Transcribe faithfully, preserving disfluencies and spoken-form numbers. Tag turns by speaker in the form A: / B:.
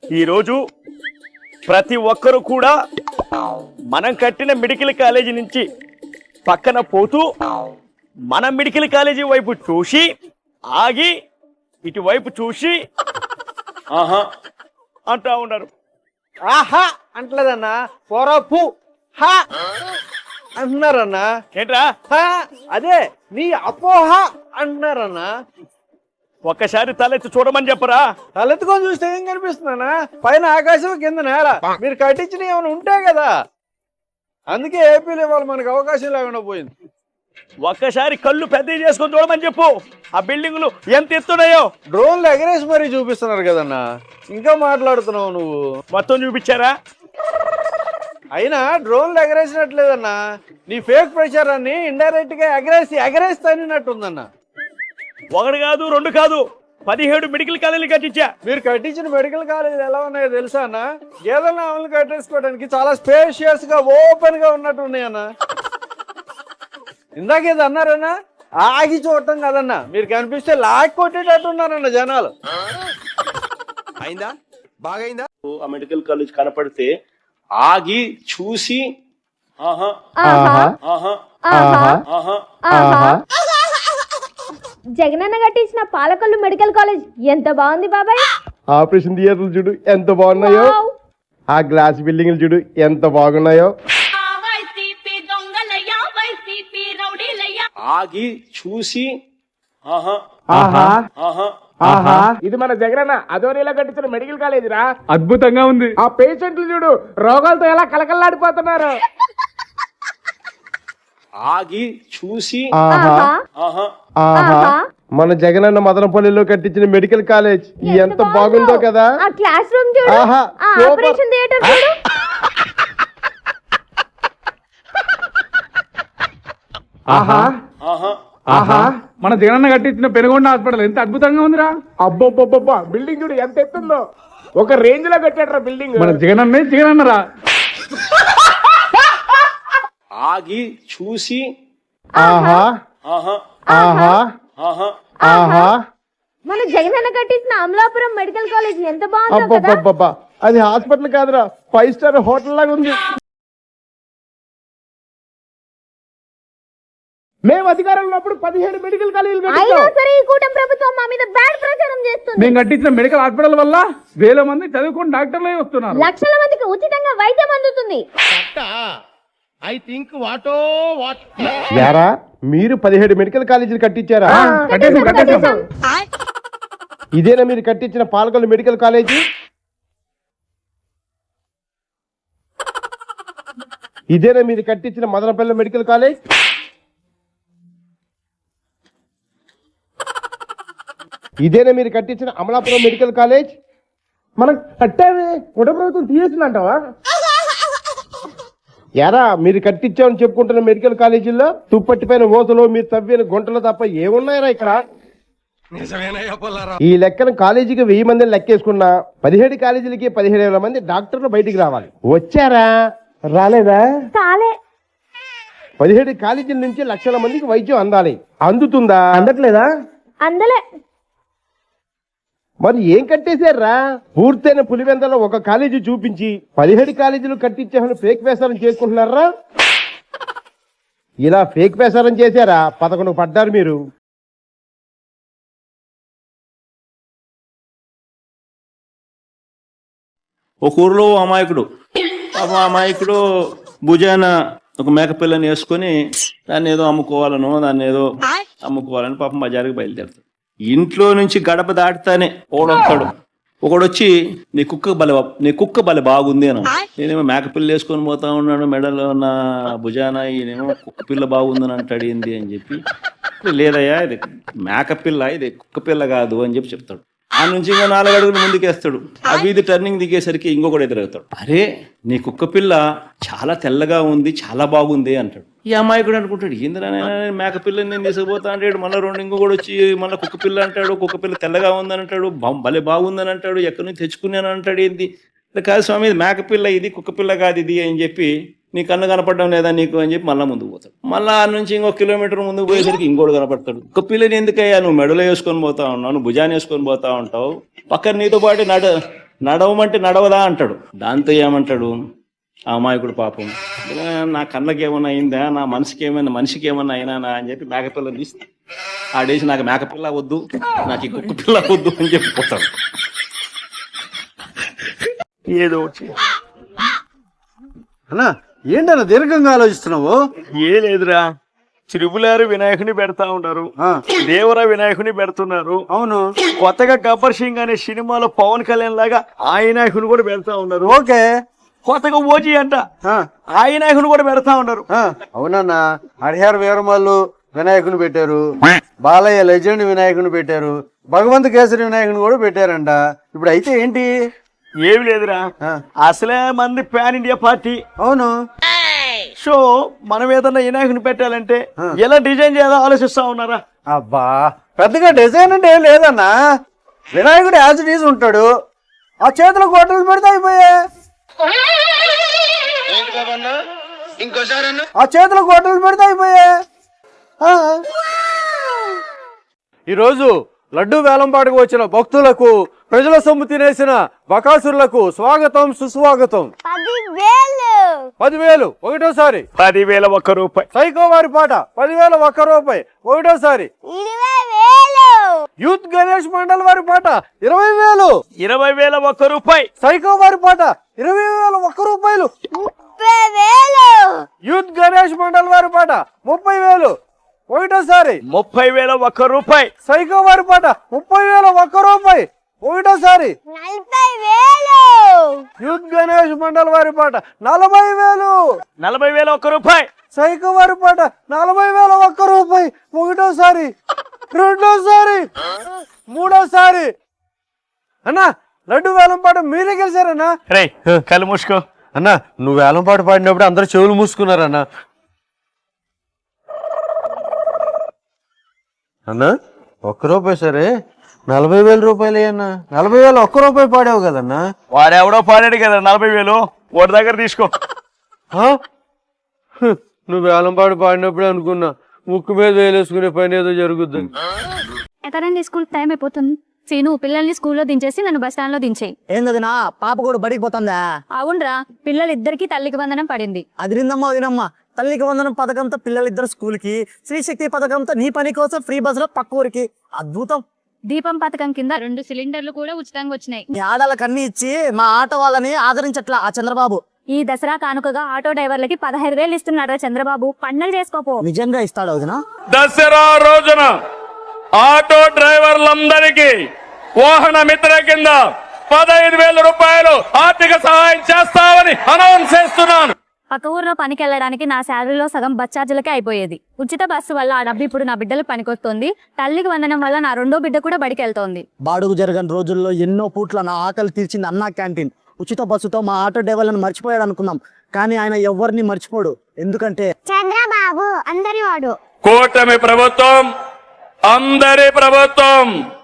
A: ఈరోజు ప్రతి ఒక్కరు కూడా మనం కట్టిన మెడికల్ కాలేజీ నుంచి పక్కన పోతూ మన మెడికల్ కాలేజీ వైపు చూసి ఆగి ఇటువైపు చూసి ఆహా అంటా ఉన్నారు.
B: ఆహా అంటలేదన్నా, పొరపు హా అంటున్నారన్నా.
A: ఏంట్రా
B: అదే నీ అపోహ అంటున్నారన్నా.
A: ఒక్కసారి తలెత్తి చూడమని చెప్పరా.
B: తలెత్తుకొని చూస్తే ఏం కనిపిస్తున్నానా? పైన ఆకాశం, కింద నేల. మీరు కట్టించిన ఏమైనా ఉంటే కదా, అందుకే ఏపీలో ఇవాళ మనకు అవకాశం లేకుండా పోయింది.
A: ఒక్కసారి కళ్ళు పెద్ద చేసుకొని చూడమని చెప్పు. ఆ బిల్డింగులు ఎంత ఎత్తున్నాయో
B: డ్రోన్లు ఎగరేసి మరీ చూపిస్తున్నారు కదన్నా. ఇంకా మాట్లాడుతున్నావు నువ్వు.
A: మొత్తం చూపించారా?
B: అయినా డ్రోన్లు ఎగరేసినట్లేదన్నా, నీ ఫేక్ ప్రచారాన్ని ఇండైరెక్ట్ గా ఎగరేసి ఎగరేసి తన్నినట్టుందన్నా.
A: ఒకటి కాదు, రెండు కాదు, పదిహేడు మెడికల్ కాలేజీలు కట్టించా.
B: మీరు కట్టించిన మెడికల్ కాలేజీలు ఎలా ఉన్నాయో తెలుసా అన్న? గేదెల ఆవులను కట్టేసుకోవడానికి చాలా స్పేషియస్ గా ఓపెన్ గా ఉన్నట్టు ఉన్నాయన్న. ఇందాకేది అన్నారన్నా, ఆగి చూడటం కదన్నా, మీరు కనిపిస్తే లాక్ కొట్టేటట్టు ఉన్నారన్న జనాలు.
C: అయిందా? బాగైందా?
A: ఆ మెడికల్ కాలేజ్ కనపడితే ఆగి చూసి ఆహా ఆహా ఆహా ఆహా.
D: జగనన్న కట్టించిన పాలకొల్లు మెడికల్ కాలేజ్ ఎంత బాగుంది బాబాయ్.
E: ఆపరేషన్ థియేటర్లు చూడు ఎంత బాగున్నాయో.
D: వావ్.
E: ఆ గ్లాస్ బిల్డింగ్లు చూడు ఎంత బాగున్నాయో.
A: ఆగి చూసి ఆహా
E: ఆహా
A: ఆహా
E: ఆహా.
F: ఇది మన జగనన్న అదోనిలా కట్టించిన మెడికల్ కాలేజ్ రా. అద్భుతంగా ఉంది. ఆ పేషెంట్లు చూడు రోగాలతో ఎలా కలకల్లాడిపోతున్నారు.
A: ఆగి చూసి
E: ఆహా
A: ఆహా
E: ఆహా. మన జగనన్న మదనపల్లిలో కట్టించిన మెడికల్ కాలేజ్ ఎంత బాగుందో కదా.
D: ఆ క్లాస్ రూమ్ చూడు,
E: ఆహా,
D: ఆ
E: సూపర్.
D: ఆపరేషన్ థియేటర్ చూడు.
E: ఆహా
A: ఆహా
E: ఆహా.
F: మన జగనన్న కట్టించిన పెనుగొండ హాస్పిటల్ ఎంత అద్భుతంగా ఉందిరా. అబ్బబ్బబ్బబ్బా బిల్డింగ్ చూడు ఎంత ఎత్తుందో. ఒక రేంజ్ లో కట్టాడ్రా బిల్డింగ్. మన జగనన్నే జగనన్నరా.
A: ఆగి చూసి
E: ఆహా
A: ఆహా
E: ఆహా
A: ఆహా
E: ఆహా.
D: మన జగనన్న కట్టించిన అమలాపురం మెడికల్ కాలేజ్ ఎంత బాగుందో కదా.
E: అబ్బబ్బబ్బబ్బా అది హాస్పిటల్ కాదురా, ఫైవ్ స్టార్ హోటల్ లాగా ఉంది.
F: మేము అధికారంలో ఉన్నప్పుడు పదిహేడు మెడికల్ కాలేజీలు
D: అయినా
F: కట్టించాం.
D: సరే ఈ కూటమి ప్రభుత్వం మా మీద బ్యాడ్ ప్రచారం చేస్తుంది.
F: మేము కట్టించిన మెడికల్ హాస్పిటల్ వల్ల వేల మంది చదువుకుని డాక్టర్లే వస్తున్నారు.
D: లక్షల మందికి ఉచితంగా వైద్యం అందుతుంది.
E: యారా మీరు పదిహేడు మెడికల్ కాలేజీలు కట్టించారా?
F: ఆ, కట్టేసాం కట్టేసాం.
E: ఇదేనా మీరు కట్టించిన పాలకొల్లు మెడికల్ కాలేజీ? ఇదేనా మీరు కట్టించిన మదనపల్లి మెడికల్ కాలేజ్? ఇదేనా మీరు కట్టించిన అమలాపురం మెడికల్ కాలేజ్?
F: మనం కట్టామే కుటుంబ ప్రభుత్వం తీసేసిందంటావా?
E: యారా మీరు కట్టించామని చెప్పుకుంటున్న మెడికల్ కాలేజీల్లో తుప్పట్టిపైన ఓసలో మీరు తవ్విన గుంటలు తప్ప ఏమున్నాయరా ఇక్కడ? ఈ లెక్కన కాలేజీకి వెయ్యి మందిని లెక్కేసుకున్నా పదిహేడు కాలేజీలకి పదిహేడు వేల మంది డాక్టర్లు బయటికి రావాలి. వచ్చారా? రాలేదా?
D: కాలే.
E: పదిహేడు కాలేజీల నుంచి లక్షల మందికి వైద్యం అందాలి. అందుతుందా?
B: అందట్లేదా?
D: అందలే.
E: మరి ఏం కట్టేశారా? పూర్తయిన పులివెందలో ఒక కాలేజీ చూపించి పదిహేడు కాలేజీలు కట్టించామని ఫేక్ ప్రచారం చేసుకుంటున్నారా? ఇలా ఫేక్ ప్రచారం చేశారా? పదకొండు పడ్డారు మీరు.
G: ఒక ఊరిలో అమాయకుడు పాపం అమాయకుడు భుజాన ఒక మేకపిల్లని వేసుకొని దాన్ని ఏదో అమ్ముకోవాలనో దాన్ని ఏదో అమ్ముకోవాలని పాపం బజారుకి బయలుదేరుతాడు. ఇంట్లో నుంచి గడప దాటుతానే ఓడొస్తాడు. ఒకడొచ్చి నీ కుక్క బల నీ కుక్క బల బాగుంది అని. నేనేమో మేకపిల్ల వేసుకొని పోతా ఉన్నాను, మెడలో నా భుజాన ఈయనేమో కుక్క పిల్ల బాగుందని అంటాడు. ఏంది అని చెప్పి, లేదయ్యా ఇది మేకపిల్ల, ఇది కుక్క పిల్ల కాదు అని చెప్పి చెప్తాడు. ఆ నుంచి ఇంకో నాలుగు అడుగులు ముందుకేస్తాడు. ఆ వీధి టర్నింగ్ దిగేసరికి ఇంకొకటి ఎదురవుతాడు. అరే నీ కుక్క పిల్ల చాలా తెల్లగా ఉంది, చాలా బాగుంది అంటాడు. ఈ అమాయకుడు అనుకుంటాడు, ఏందిరా మేక పిల్లని నేను తీసుకుపోతా అంటాడు. మళ్ళీ రెండు ఇంకొకటి వచ్చి మళ్ళీ కుక్క పిల్ల అంటాడు. కుక్క పిల్ల తెల్లగా ఉందని అంటాడు, భలే బాగుందని అంటాడు, ఎక్కడి నుంచి తెచ్చుకున్నాను అంటాడు. ఏంది కాదు స్వామి, ఇది మేక పిల్ల, ఇది కుక్క పిల్ల కాదు ఇది అని చెప్పి, నీ కన్ను కనపడడం లేదా నీకు అని చెప్పి మళ్ళీ ముందుకు పోతాడు. మళ్ళీ ఆ నుంచి ఇంకో కిలోమీటర్ ముందుకు పోయేసరికి ఇంకోటి కనపడతాడు. ఒక పిల్లని ఎందుకయ్యా నువ్వు మెడలో వేసుకొని పోతా ఉన్నావు, నువ్వు భుజాన్ని వేసుకొని పోతా ఉంటావు, పక్కన నీతో పాటు నడు నడవమంటే నడవదా అంటాడు. దాంతో ఏమంటాడు ఆ అమాయకుడు పాపం, "ఇలా నా కళ్ళకి ఏమన్నా అయిందా, నా మనసుకి ఏమైనా మనిషికి ఏమన్నా అయినా అని చెప్పి మేకపిల్లని తీస్తే ఆడేసి నాకు మేకపిల్ల వద్దు, నాకు ఈ కుక్క పిల్ల వద్దు అని చెప్పి పోతాడు.
A: ఏదో వచ్చి
B: అన్నా ఏంటన్నా దీర్ఘంగా ఆలోచిస్తున్నావు?
A: ఏ లేదురా, త్రిపులారు వినాయకుని పెడతా ఉన్నారు,
B: ఆ,
A: దేవర వినాయకుని పెడుతున్నారు.
B: అవును,
A: కొత్తగా గబ్బర్ సింగ్ అనే సినిమాలో పవన్ కళ్యాణ్ లాగా ఆ వినాయకుని కూడా పెడతా ఉన్నారు.
B: ఓకే.
A: కొత్తగా ఓజీ అంట
B: ఆ,
A: ఆ వినాయకుని కూడా పెడతా ఉన్నారు.
B: ఆ, అవునన్నా, హరిహర వీరమల్లు వినాయకుని పెట్టారు, బాలయ్య లెజెండ్ వినాయకుని పెట్టారు, భగవంత్ కేసరి వినాయకుని కూడా పెట్టారంట. ఇప్పుడు అయితే ఏంటి?
A: ఏమి లేదురా,
B: ఆ,
A: అసలే మంది పాన్ ఇండియా పార్టీ.
B: అవును,
A: సో మనం ఏదన్నా వినాయకుని పెట్టాలంటే ఎలా డిజైన్ చేయాలో ఆలోచిస్తా ఉన్నారా?
B: అబ్బా పెద్దగా డిజైన్ అంటే ఏం లేదన్నా, వినాయకుడు యాజ్ ఇట్ ఈజ్ ఉంటాడు, ఆ చేతిలో గొడ్డలు పెడితే అయిపోయా, ఆ చేతిలో గొడ్డలు పెడితే అయిపోయా. ఆ. ఈరోజు లడ్డు వేలంపాటకు వచ్చిన భక్తులకు, ప్రజల సొమ్ము తినేసిన బకాసురులకు స్వాగతం సుస్వాగతం. పదివేలు ఒకటోసారి,
A: పదివేల ఒక్క రూపాయి.
B: సైకో వారి పాట పదివేల ఒక్క రూపాయి ఒకటోసారి. యూత్ గణేష్ మండల్ వారి పాట ఇరవై వేలు,
A: ఇరవై వేల ఒక్క రూపాయి.
B: సైకో వారి పాట ఇరవై వేల ఒక్క రూపాయలు. యూత్ గణేష్ మండల్ వారి పాట ముప్పై వేలు ఒకటోసారి.
A: ముప్పై వేల ఒక్క రూపాయి.
B: సైకో వారి పాట ముప్పై వేల ఒక్క రూపాయి ఒకటోసారి. యూత్ గణేష్ మండల్ వారి పాట నలభై వేలు,
A: నలభై వేల ఒక్క రూపాయి.
B: సైకో వారి పాట నలభై వేల ఒక్క రూపాయి ఒకటోసారి, రెండోసారి, మూడోసారి. అన్నా లడ్డు వేలం పాట మీరే గెలిచారన్నా.
A: రే కళ్ళు మూసుకో.
B: అన్నా నువ్వు వేలం పాట పాడినప్పుడు అందరు చెవులు మూసుకున్నారన్నా. అన్నా ఒక్క రూపాయి సరే, నలభై వేల రూపాయలు అన్నా. నలభై వేలు ఒక్క రూపాయి పాడావు కదన్నా.
A: వాడెవడో పాడాడు కదా నలభై వేలు, వాడి దగ్గర తీసుకో.
B: ఆ? హ్, నువ్వు వేలం పాట పాడినప్పుడే అనుకున్నా ముక్కు మీద వేలేసుకునే పని ఏదో జరుగుద్ది.
D: ఎక్కడండి స్కూల్ టైం అయిపోతుంది. సీను పిల్లల్ని స్కూల్లో దించేసి నన్ను బస్ స్టాండ్ లో దించేయి.
H: ఏందదినా పాప కూడా బడికి పోతుందా?
D: అవునరా, పిల్లలిద్దరికి తల్లికి వందనం పడింది.
H: అదిరిందమ్మా అదినమ్మా. తల్లికి వందనం పథకంతో పిల్లలిద్దరు స్కూల్ కి, శ్రీశక్తి పథకంతో నీ పని కోసం ఫ్రీ బస్ లో పక్క ఊరికి. అద్భుతం.
D: దీపం పథకం కింద రెండు సిలిండర్లు కూడా ఉచితంగా వచ్చినాయి.
H: నీ ఆడాలకు అన్ని ఇచ్చి మా ఆటో వాళ్ళని ఆదరించట్లా ఆ చంద్రబాబు.
D: ఈ దసరా కానుకగా ఆటో డ్రైవర్లకి పదహైదు వేలు ఇస్తున్నాడు చంద్రబాబు. పండగ చేసుకోపో.
H: నిజంగా ఇస్తాడు వదినా?
F: దసరా రోజున ఆటో డ్రైవర్లందరికీ వాహన మిత్ర కింద పదహైదు వేల రూపాయలు ఆర్థిక సహాయం చేస్తామని అనౌన్స్ చేస్తున్నాను.
D: పక్క ఊర్లో పనికి వెళ్ళడానికి నా శాలరీలో సగం బస్ ఛార్జీలకే అయిపోయేది. ఉచిత బస్సు వల్ల ఆ డబ్బు ఇప్పుడు నా బిడ్డలకు పనికొస్తుంది. తల్లికి వందనం వల్ల నా రెండో బిడ్డ కూడా బడికి వెళ్తోంది.
H: బాడుగు జరగని రోజుల్లో ఎన్నో పూట్ల నా ఆకలి తీర్చింది అన్నా క్యాంటీన్. ఉచిత బస్సుతో మా ఆటో డ్రైవర్లను మర్చిపోయాడు అనుకున్నాం, కానీ ఆయన ఎవరిని మర్చిపోడు. ఎందుకంటే
D: చంద్రబాబు అందరి వాడు.
F: కూటమి ప్రభుత్వం అందరి ప్రభుత్వం.